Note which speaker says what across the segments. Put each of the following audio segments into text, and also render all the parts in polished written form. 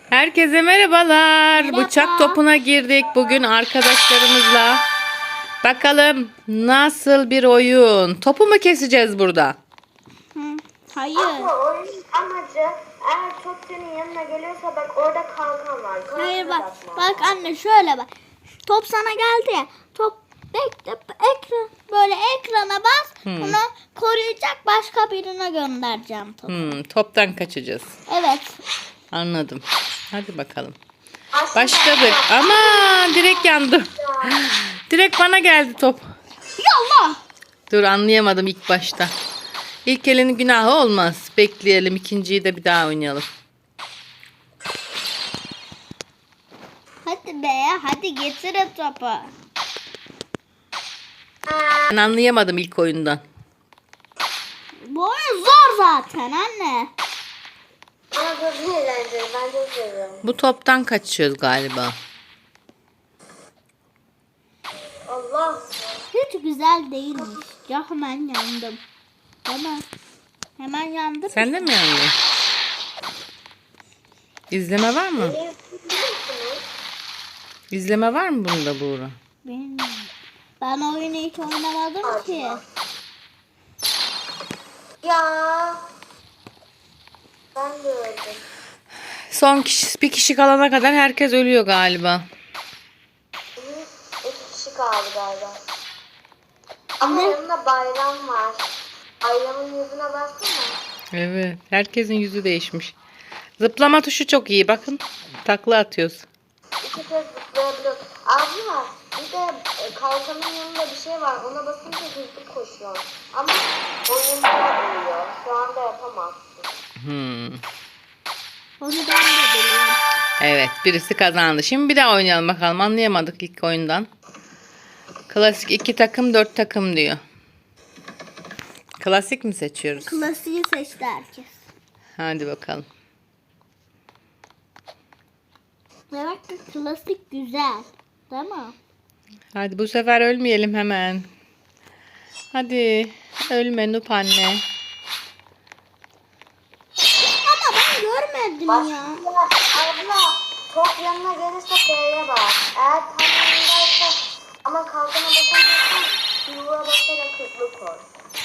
Speaker 1: Herkese merhabalar.
Speaker 2: Merhaba.
Speaker 1: Bıçak topuna girdik bugün arkadaşlarımızla. Bakalım nasıl bir oyun. Topu mu keseceğiz burada?
Speaker 2: Hayır.
Speaker 3: Ama oyunun amacı eğer top senin yanına geliyorsa bak orada kalkan var.
Speaker 2: Hayır
Speaker 3: Kalkana
Speaker 2: bak.
Speaker 3: bakma.
Speaker 2: Bak anne şöyle bak. Top sana geldi ya. Top bekle ekran böyle ekrana bas. Bunu koruyacak başka birine göndereceğim topu.
Speaker 1: Toptan kaçacağız.
Speaker 2: Evet.
Speaker 1: Anladım. Hadi bakalım.
Speaker 3: Aslında
Speaker 1: Başladık. Ama direkt yandım. Direkt bana geldi top.
Speaker 2: Yallah.
Speaker 1: Dur anlayamadım ilk başta. İlk elinin günahı olmaz. Bekleyelim. İkinciyi de bir daha oynayalım.
Speaker 2: Hadi be hadi getirin topu.
Speaker 1: Ben anlayamadım ilk oyundan.
Speaker 2: Bu oyun zor zaten anne.
Speaker 3: Ama çok eğlenceli. Ben çok seviyorum.
Speaker 1: Bu toptan kaçıyoruz galiba.
Speaker 3: Allah.
Speaker 2: Hiç güzel değilmiş. Ya hemen yandım. Hemen yandım.
Speaker 1: Sen de mi yandın? İzleme var mı?
Speaker 3: Biliyor musunuz?
Speaker 1: İzleme var mı bunda Buğra?
Speaker 2: Ben oyunu hiç oynamadım ki.
Speaker 3: Ya. Ben de öldüm.
Speaker 1: Son bir kişi kalana kadar herkes ölüyor galiba.
Speaker 3: İki kişi kaldı galiba. Ama yanında bayram var. Bayramın yüzüne baksana.
Speaker 1: Evet, herkesin yüzü değişmiş. Zıplama tuşu çok iyi. Bakın, takla atıyoruz.
Speaker 3: İki kez zıplayabiliyoruz. Abla bir de kalkanın yanında bir şey var. Ona basınca hızlı koşuyor. Ama oyunda oluyor. Şu anda yapamazsın.
Speaker 2: Onu ben de biliyorum.
Speaker 1: Evet, birisi kazandı. Şimdi bir daha oynayalım bakalım. Anlayamadık ilk oyundan. Klasik 2 takım 4 takım diyor. Klasik mi seçiyoruz?
Speaker 2: Klasiği seçti herkes.
Speaker 1: Hadi bakalım.
Speaker 2: Demek ki klasik güzel. Değil mi?
Speaker 1: Hadi bu sefer ölmeyelim hemen. Hadi ölme Nup anne.
Speaker 2: Ama ben görmedim ya.
Speaker 3: Abla top yanına gelirse F'ye bak. Eğer tam yanındaysa ama kalkana basamıyorsan yuva basarak hızlı koş.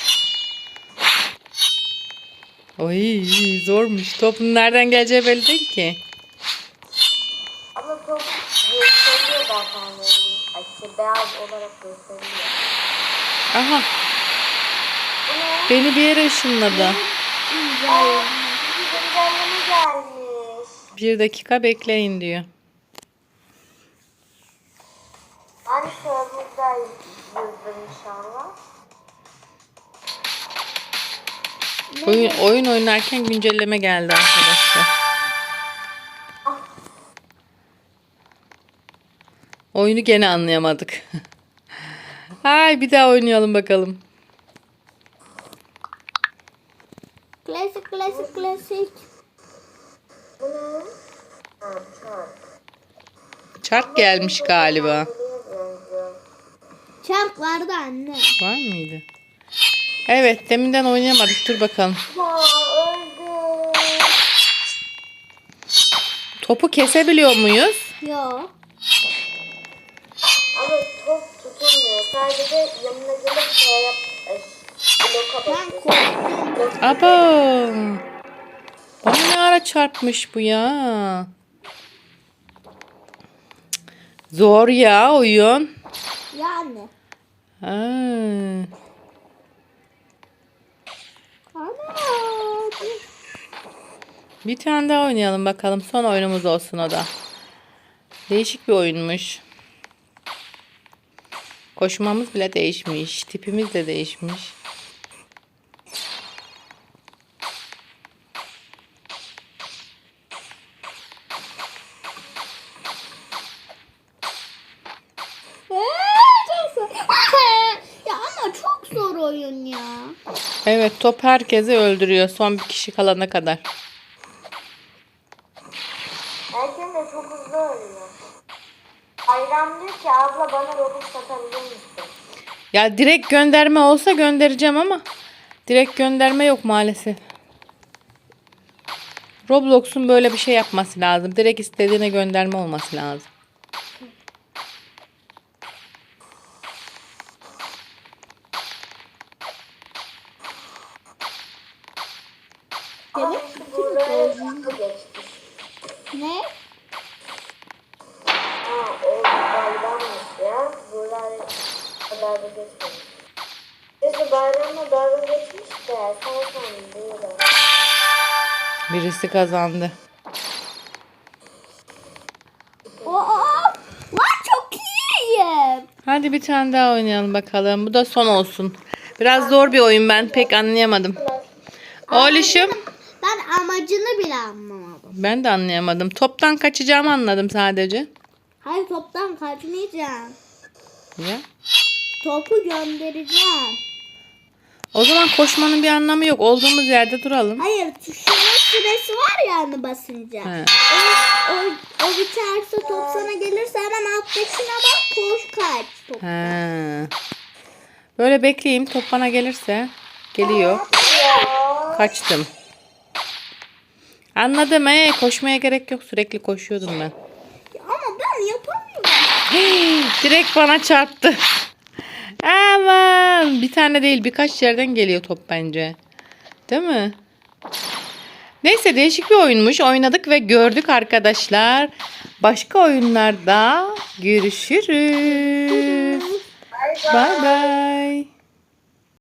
Speaker 1: Oy zormuş. Topun nereden geleceği belli değil ki.
Speaker 3: Ama top gösteriyor zaten rengi. Beyaz olarak gösteriyor.
Speaker 1: Aha
Speaker 3: Bu ne?
Speaker 1: beni bir yere ışınladı.
Speaker 3: Aa, bir güncelleme gelmiş.
Speaker 1: 1 dakika bekleyin diyor.
Speaker 3: Hani serverda yüzdüm inşallah.
Speaker 1: Oyun oynarken güncelleme geldi arkadaşlar. Oyunu gene anlayamadık. Ay bir daha oynayalım bakalım.
Speaker 2: Klasik klasik klasik.
Speaker 3: Bu ne? Ha, çark.
Speaker 1: Çark gelmiş galiba.
Speaker 2: Çark vardı anne.
Speaker 1: Var mıydı? Evet deminden oynayamadık. Dur bakalım.
Speaker 3: Ya öldüm.
Speaker 1: Topu kesebiliyor muyuz?
Speaker 2: Yo.
Speaker 3: Ama top tutulmuyor. Sadece yanına gelip şey yap. Bloka
Speaker 2: Ben
Speaker 3: basıyorsun.
Speaker 2: korktum.
Speaker 1: Aba. Bana ne ara çarpmış bu ya? Zor ya oyun.
Speaker 2: Yani.
Speaker 1: Ha.
Speaker 2: Ana.
Speaker 1: Bir tane daha oynayalım bakalım. Son oyunumuz olsun o da. Değişik bir oyunmuş. Koşmamız bile değişmiş. Tipimiz de değişmiş.
Speaker 2: Çok zor. Ya ama çok zor oyun ya.
Speaker 1: Evet top herkesi öldürüyor. Son bir kişi kalana kadar.
Speaker 3: Herkes de çok hızlı ölüyor. Bayram diyor ki abla bana robot satabilir misin?
Speaker 1: Ya direkt gönderme olsa göndereceğim ama direkt gönderme yok maalesef. Roblox'un böyle bir şey yapması lazım. Direkt istediğine gönderme olması lazım.
Speaker 3: Ama işte buraya hızlı geçti.
Speaker 2: Ne?
Speaker 3: Ha o bayrammış ya. Buraya kadar da geçmemiş. Neyse bayramla dalga geçmiş de sen değil.
Speaker 1: Birisi kazandı.
Speaker 2: Lan çok iyiyim.
Speaker 1: Hadi bir tane daha oynayalım bakalım. Bu da son olsun. Biraz zor bir oyun, ben pek anlayamadım. Oğluşum.
Speaker 2: Ben amacını bile anlamadım.
Speaker 1: Ben de anlayamadım. Toptan kaçacağımı anladım sadece.
Speaker 2: Hayır, toptan kaçmayacağım.
Speaker 1: Ya.
Speaker 2: Topu göndereceğim.
Speaker 1: O zaman koşmanın bir anlamı yok. Olduğumuz yerde duralım.
Speaker 2: Hayır, tuşunun süresi var ya hani basınca.
Speaker 1: He.
Speaker 2: O biterse top sana gelirse hemen alttakine bak, koş kaç. Top.
Speaker 1: He. Böyle bekleyeyim. Top bana gelirse. Geliyor. Kaçtım. Anladım. Koşmaya gerek yok. Sürekli koşuyordum ben.
Speaker 2: Ama ben yapamıyorum.
Speaker 1: Direkt bana çarptı. Aman. Bir tane değil, birkaç yerden geliyor top bence. Değil mi? Neyse, değişik bir oyunmuş. Oynadık ve gördük arkadaşlar. Başka oyunlarda görüşürüz. Bye bye.